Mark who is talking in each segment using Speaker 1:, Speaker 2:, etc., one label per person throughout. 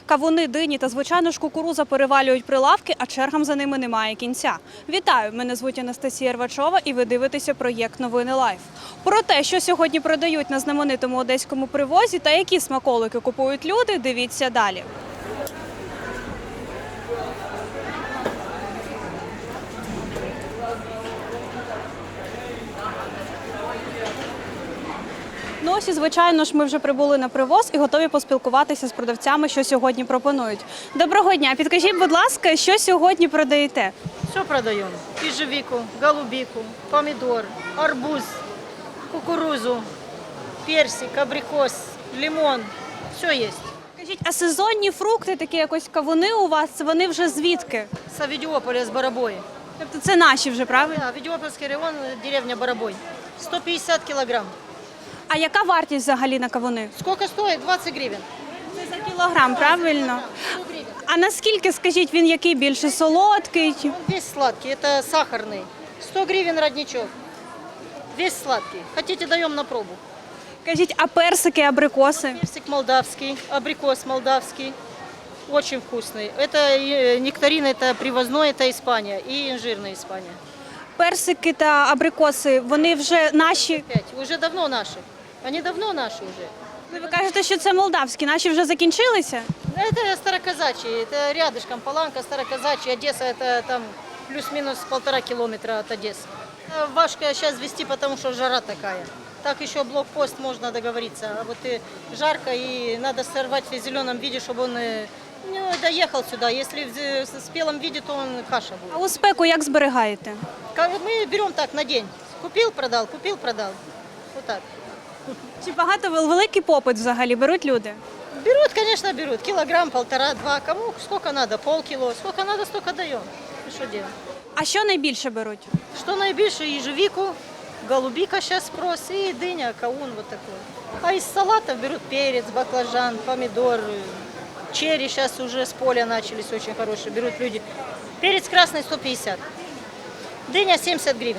Speaker 1: Кавуни, дині та, звичайно ж, кукурудза перевалюють прилавки, а чергам за ними немає кінця. Вітаю! Мене звуть Анастасія Рвачова і ви дивитеся проєкт «Новини Лайф». Про те, що сьогодні продають на знаменитому одеському привозі та які смаколики купують люди, дивіться далі. Ну ось і, звичайно ж, ми вже прибули на привоз і готові поспілкуватися з продавцями, що сьогодні пропонують. Доброго дня! Підкажіть, будь ласка, що сьогодні продаєте?
Speaker 2: Все продаем. Ежевику, голубику, помидор, арбуз, кукурузу, персик, абрикос, лимон. Все есть.
Speaker 1: Скажіть, а сезонні фрукти, такі якось кавуни у вас, вони вже звідки?
Speaker 2: С Авидиополя, с Барабой.
Speaker 1: Тобто це наші вже, правильно?
Speaker 2: Да, Авидиопольский район, деревня Барабой. 150 килограмм.
Speaker 1: А яка вартість взагалі на кавуни?
Speaker 2: Сколько стоит? 20 гривен.
Speaker 1: Це за кілограм, правильно?
Speaker 2: 100 гривен.
Speaker 1: А наскільки, скажіть, він який більше солодкий?
Speaker 2: Он весь сладкий, это сахарный. 100 гривен родничок. Весь сладкий. Хотите, даем на пробу.
Speaker 1: Кажіть, а персики, абрикоси?
Speaker 2: Персик молдавский, абрикос молдавский. Очень вкусный. Это нектарин, это привозной, это Испания. И инжирная Испания.
Speaker 1: Персики та абрикоси, вони вже наші?
Speaker 2: Опять, уже давно наши. Они давно наши уже.
Speaker 1: Ви кажете, що це молдавські, наші вже закінчилися?
Speaker 2: Это староказачьи, это рядышком Паланка, староказачьи, Одесса, это там плюс-минус 1,5 километра от Одессы. Важко сейчас везти, потому что жара такая. Так еще блокпост можно договориться. А вот и жарко, и надо сорвать в зеленом виде, чтобы он доехал сюда. Если в спелом виде, то он каша
Speaker 1: А
Speaker 2: будет.
Speaker 1: у спеку як зберігаєте?
Speaker 2: Мы берем так на день. Купил, продал, купил, продал. Вот так.
Speaker 1: Чи багато великий попит взагалі беруть люди?
Speaker 2: Берут, конечно, берут. Килограмм, полтора, два. Кому сколько надо? Полкило. Сколько надо, столько даем. И что делать?
Speaker 1: А що найбільше беруть?
Speaker 2: Что наибольше? Ежевику, голубика сейчас спрос и дыня, каун вот такой. А из салатов берут перец, баклажан, помидор, черри сейчас уже с поля начались очень хорошие. Берут люди. Перец красный 150. Дыня 70 гривен.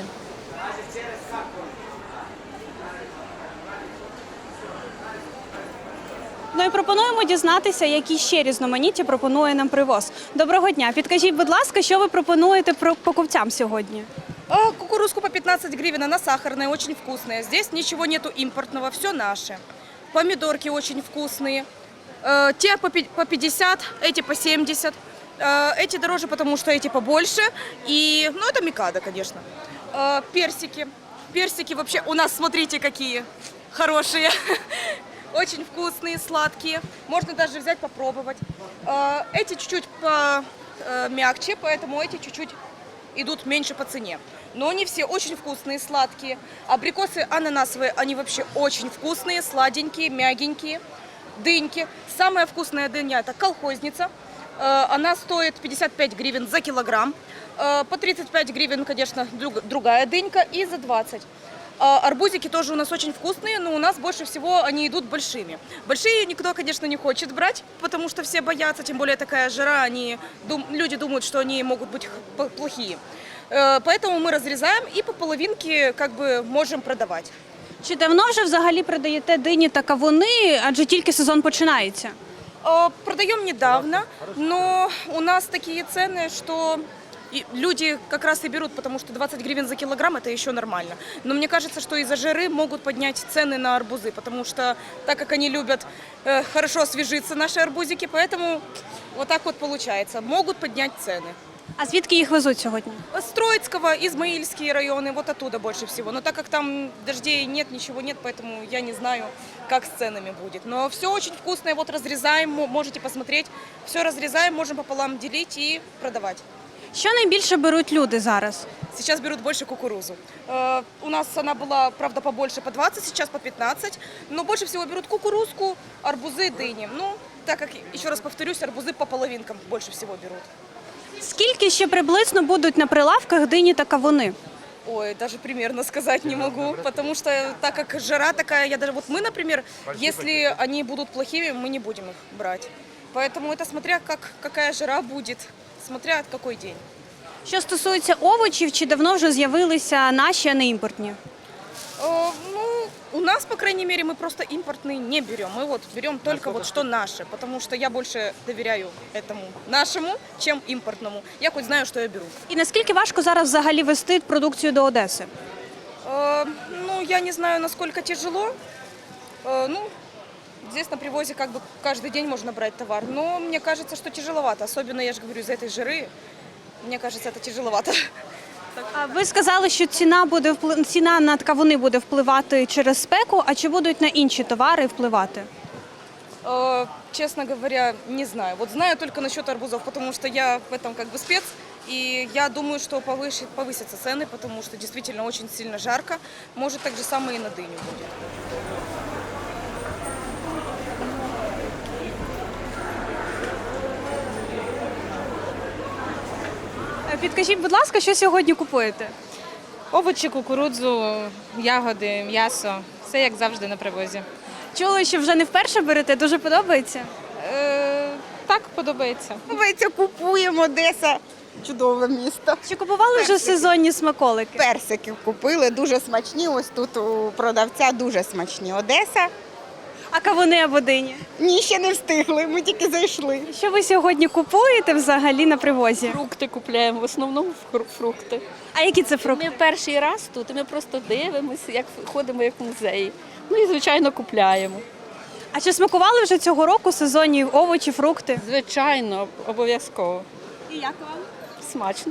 Speaker 1: Ну і пропонуємо дізнатися, які ще різноманіття пропонує нам привоз. Доброго дня! Підкажіть, будь ласка, що ви пропонуєте покупцям сьогодні?
Speaker 3: Кукурузку по 15 гривен, она сахарная, очень вкусная. Здесь ничего нету импортного, все наше. Помидорки очень вкусные. Те по 50, эти по 70. Эти дороже, потому что эти побольше. И, ну, это микадо, конечно. Персики. Персики вообще у нас, смотрите, какие хорошие. Очень вкусные, сладкие. Можно даже взять попробовать. Эти чуть-чуть помягче, поэтому эти чуть-чуть идут меньше по цене. Но они все очень вкусные, сладкие. Абрикосы ананасовые, они вообще очень вкусные, сладенькие, мягенькие. Дыньки. Самая вкусная дыня – это колхозница. Она стоит 55 гривен за килограмм. По 35 гривен, конечно, другая дынька и за 20. Арбузики тоже у нас очень вкусные, но у нас больше всего они идут большими. Большие никто, конечно, не хочет брать, потому что все боятся, тем более такая жара, люди думают, что они могут быть плохие. Поэтому мы разрезаем и по половинке как бы можем продавать.
Speaker 1: Чи давно вже взагалі продаєте дині та кавуни, адже тільки сезон починається?
Speaker 3: Продаем недавно, но у нас такие цены, что люди как раз и берут, потому что 20 гривен за килограмм это еще нормально. Но мне кажется, что из-за жары могут поднять цены на арбузы, потому что так как они любят хорошо освежиться, наши арбузики, поэтому вот так вот получается, могут поднять цены.
Speaker 1: А звідки їх везуть сьогодні?
Speaker 3: С Троицкого, Измаильские районы, вот оттуда больше всего. Но так как там дождей нет, ничего нет, поэтому я не знаю, как с ценами будет. Но все очень вкусное, вот разрезаем, можете посмотреть. Все разрезаем, можем пополам делить и продавать.
Speaker 1: Що найбільше беруть люди зараз?
Speaker 3: Сейчас берут больше кукурузу. У нас она была, правда, побольше, по 20, сейчас по 15. Но больше всего берут кукурузку, арбузы, дыни. Ну, так как, еще раз повторюсь, арбузы по половинкам больше всего берут.
Speaker 1: Скільки ще приблизно будуть на прилавках дині та кавуни?
Speaker 3: Ой, даже примерно сказать не могу, потому что так как жара такая, вот мы, например, если они будут плохими, мы не будем их брать. Поэтому это смотря какая жара будет, смотря какой день.
Speaker 1: Що стосується овочів, чи давно вже з'явилися наші, а не імпортні?
Speaker 3: Ну, У нас, по крайней мере, мы просто импортные не берем. Мы вот берем только вот что наше, потому что я больше доверяю этому нашему, чем импортному. Я хоть знаю, что я беру.
Speaker 1: І наскільки важко зараз взагалі вести продукцію до Одеси?
Speaker 3: Ну, я не знаю, насколько тяжело. Ну, здесь на привозе как бы каждый день можно брать товар. Но мне кажется, что тяжеловато. Особенно, я же говорю, из-за этой жиры. Мне кажется, это тяжеловато.
Speaker 1: А ви сказали, що ціна на кавуни буде впливати через спеку, а чи будуть на інші товари впливати?
Speaker 3: Честно говоря, не знаю. Вот знаю только насчет арбузов, потому что я в этом как бы спец. И я думаю, что повысятся цены, потому что действительно очень сильно жарко. Может, так же самое и на дыню будет.
Speaker 1: Підкажіть, будь ласка, що сьогодні купуєте?
Speaker 4: Овочі, кукурудзу, ягоди, м'ясо. Все як завжди на привозі.
Speaker 1: Чули, що вже не вперше берете, дуже подобається?
Speaker 4: Так, подобається.
Speaker 5: Подобається, купуємо, Одеса. Чудове місто.
Speaker 1: Чи купували вже сезонні смаколики?
Speaker 5: Персиків купили, дуже смачні. Ось тут у продавця дуже смачні. Одеса.
Speaker 1: А кавуни або дині?
Speaker 5: Ні, ще не встигли, ми тільки зайшли.
Speaker 1: Що ви сьогодні купуєте взагалі на привозі?
Speaker 6: Фрукти купляємо, в основному фрукти.
Speaker 1: А які це фрукти?
Speaker 6: Ми перший раз тут, і ми просто дивимося, як ходимо як в музеї. Ну і, звичайно, купляємо.
Speaker 1: А чи смакували вже цього року сезонні овочі, фрукти?
Speaker 6: Звичайно, обов'язково.
Speaker 1: І як вам?
Speaker 6: Смачно.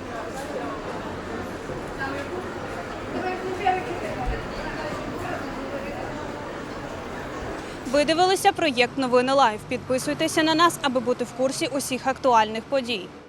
Speaker 1: Ви дивилися проєкт «Новини Лайв». Підписуйтеся на нас, аби бути в курсі усіх актуальних подій.